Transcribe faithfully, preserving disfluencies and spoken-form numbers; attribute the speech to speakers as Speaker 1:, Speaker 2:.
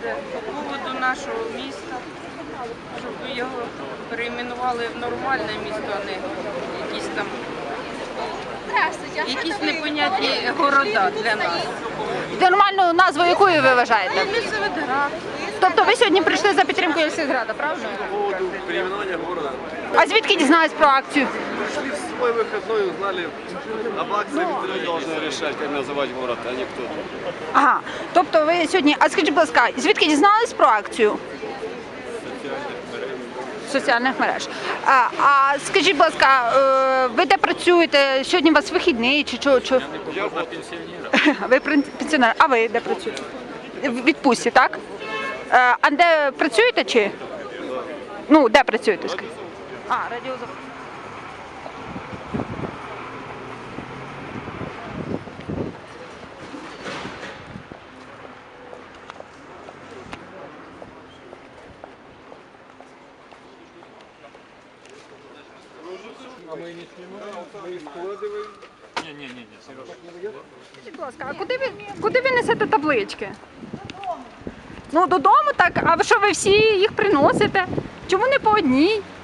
Speaker 1: це по поводу нашого міста, щоб його перейменували в нормальне місто, а не якісь там якісь непонятні города для нас.
Speaker 2: Нормальну назву якою ви вважаєте?
Speaker 1: Місцеводград.
Speaker 2: Тобто ви сьогодні прийшли за підтримкою сільськради, правильно?
Speaker 3: По поводу переименования города.
Speaker 2: А звідки дізнались про акцію?
Speaker 3: Шли в свой выходной, узнали об акции, которые должны решать, как называть город, а не кто-то.
Speaker 2: Ага. Тобто ви сьогодні, а скажіть, будь ласка, звідки дізнались про акцію? З соціальних мереж. А, а скажіть, будь ласка, е, ви де працюєте? Сьогодні у вас вихідний чи що? Чи...
Speaker 3: Я вот пенсионер.
Speaker 2: Ви пен- пенсіонер, а ви де працюєте? В відпустці, так? Е, А де працюєте чи? Ну, де працюєте? скажіть? А, радіозавод.
Speaker 3: А мы не снимаем, мы складываем.
Speaker 2: Скажіть, будь ласка, а куди ви, куди ви несете таблички? Ну, додому так, а ви що, ви всі їх приносите? Чому не по одній?